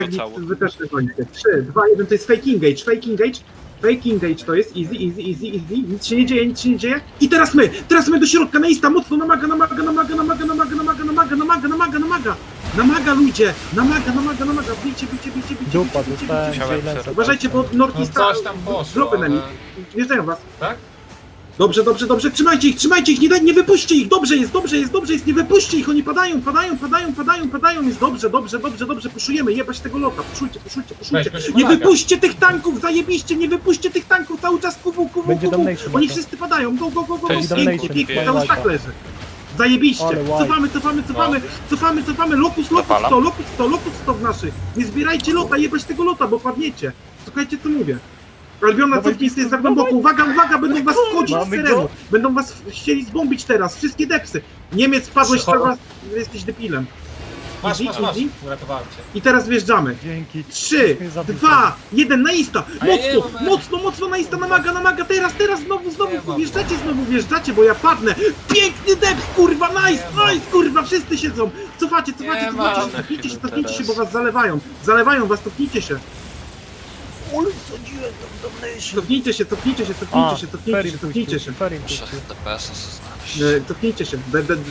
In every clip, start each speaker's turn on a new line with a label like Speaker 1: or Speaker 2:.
Speaker 1: cało.
Speaker 2: Wy też gonicie. 3, 2, 1, to jest fake engage, fake engage. Fake engage to jest easy, easy, easy, easy. Nic się nie dzieje, nic się nie dzieje. I teraz my do środka, na ista, mocno namaga, ludzie. Namaga, bijcie.
Speaker 3: Dupa, dostałem
Speaker 1: Musiałem
Speaker 3: Jailensa.
Speaker 1: przerwać.
Speaker 2: Uważajcie, bo Northeast
Speaker 4: Coś tam poszło,
Speaker 2: dropy na
Speaker 4: ale...
Speaker 2: nich. Wjeżdżają was.
Speaker 4: Tak?
Speaker 2: Dobrze, trzymajcie ich, nie wypuśćcie ich, dobrze jest, nie wypuśćcie ich, oni padają, jest dobrze, puszujemy, jebać tego lota, puszujcie,
Speaker 4: Weźmy się
Speaker 2: nie
Speaker 4: Malaga.
Speaker 2: wypuśćcie tych tanków, zajebiście, nie wypuśćcie tych tanków, cały czas
Speaker 3: Będzie damnation
Speaker 2: oni
Speaker 3: lata.
Speaker 2: wszyscy padają, go,
Speaker 1: To jest
Speaker 2: pięknie,
Speaker 1: damnation,
Speaker 2: cały stack leży. Zajebiście,
Speaker 3: Ale white.
Speaker 2: cofamy, lokus 100 w naszych, nie zbierajcie lota, jebać tego lota, bo padniecie, słuchajcie co mówię. Albiona
Speaker 3: Dawaj,
Speaker 2: cofnij jest za głęboko, uwaga, będą was wchodzić z
Speaker 3: Mamy
Speaker 2: terenu,
Speaker 3: go.
Speaker 2: będą was chcieli zbombić teraz, wszystkie depsy. Niemiec padłeś teraz, jesteś debilem.
Speaker 4: Masz.
Speaker 2: Easy.
Speaker 4: Uratowałem cię.
Speaker 2: I teraz wjeżdżamy.
Speaker 3: Dzięki.
Speaker 2: 3,
Speaker 3: Mnie zabił.
Speaker 2: 2, 1, na ista!
Speaker 4: A ja nie
Speaker 2: Mocno na ista, namaga, teraz, znowu
Speaker 4: Nie mam.
Speaker 2: wjeżdżacie, bo ja padnę. Piękny deps, kurwa, nice, kurwa, wszyscy siedzą. Cofacie,
Speaker 4: Nie mam.
Speaker 2: cofnijcie się, bo was zalewają was, cofnijcie się. Cofnijcie się. Cofnijcie się.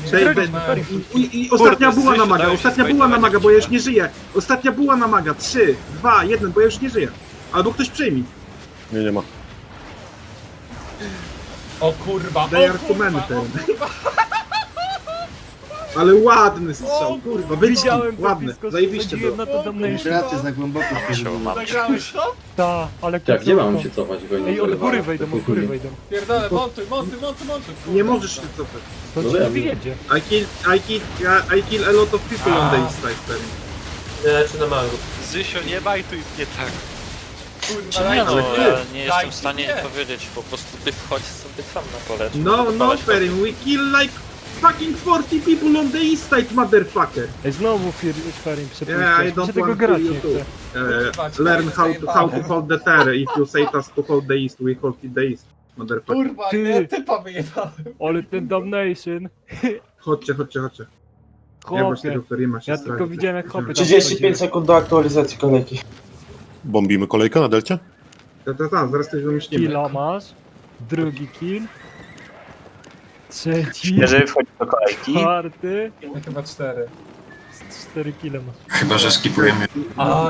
Speaker 2: I ostatnia była na maga, bo ja już nie żyję. Ostatnia była na maga. 3, 2, 1, bo ja już nie żyję. Albo ktoś przyjmie.
Speaker 5: Nie ma.
Speaker 4: O kurwa,
Speaker 2: They are commented. Ale ładny strzał, kurwa,
Speaker 3: Widziałem to
Speaker 2: ładny,
Speaker 3: blisko,
Speaker 2: zajebiście
Speaker 3: wsadziłem
Speaker 2: było.
Speaker 3: na to damnation.
Speaker 6: Gracie za głęboko.
Speaker 4: Zagrałeś to?
Speaker 3: Ta, ale
Speaker 6: Tak, gdzie mam się cofać? Bo
Speaker 3: Ej, od góry wejdą.
Speaker 4: Pierdolę, montuj.
Speaker 2: Nie możesz się cofać.
Speaker 3: To
Speaker 6: No
Speaker 3: ci nie
Speaker 6: wiem.
Speaker 3: wyjedzie.
Speaker 2: I kill a lot of people on the east side.
Speaker 1: Zysio, nie bajtuj mnie tak.
Speaker 4: Kurwa,
Speaker 1: Nie no,
Speaker 4: dajcie.
Speaker 1: ja nie jestem
Speaker 4: Dajcie
Speaker 1: w stanie
Speaker 4: mnie.
Speaker 1: powiedzieć, po prostu ty wchodź sobie sam na pole.
Speaker 2: No, Ferim, we kill like fucking 40 people on the east side, motherfucker.
Speaker 3: Ej, znowu Ferim
Speaker 2: Yeah, I
Speaker 3: przepuszczasz.
Speaker 2: don't
Speaker 3: Czy tego
Speaker 2: want to
Speaker 3: gracie
Speaker 2: you too.
Speaker 3: chce?
Speaker 2: Learn how to hold the terror. If you say us to hold the east, we hold the east, motherfucker.
Speaker 4: Kurwa,
Speaker 3: Ty.
Speaker 4: nie, typa wyjebałem.
Speaker 3: Ale ten damnation.
Speaker 2: Chodźcie. Ja
Speaker 3: Chłopie.
Speaker 2: właśnie tego Ferima się
Speaker 3: Ja tylko
Speaker 2: stracił.
Speaker 3: widziałem jak chłopy tam
Speaker 6: 35 sekund do aktualizacji kolejki.
Speaker 5: Bombimy kolejkę na delcie?
Speaker 2: Zaraz coś wymyślimy.
Speaker 3: Killa masz. Drugi kill. Trzeci.
Speaker 7: Jeżeli wchodzi do kolejki,
Speaker 3: Czwarty.
Speaker 4: Ja chyba 4.
Speaker 3: 4 kile masz.
Speaker 8: Chyba, że skipujemy.
Speaker 4: A,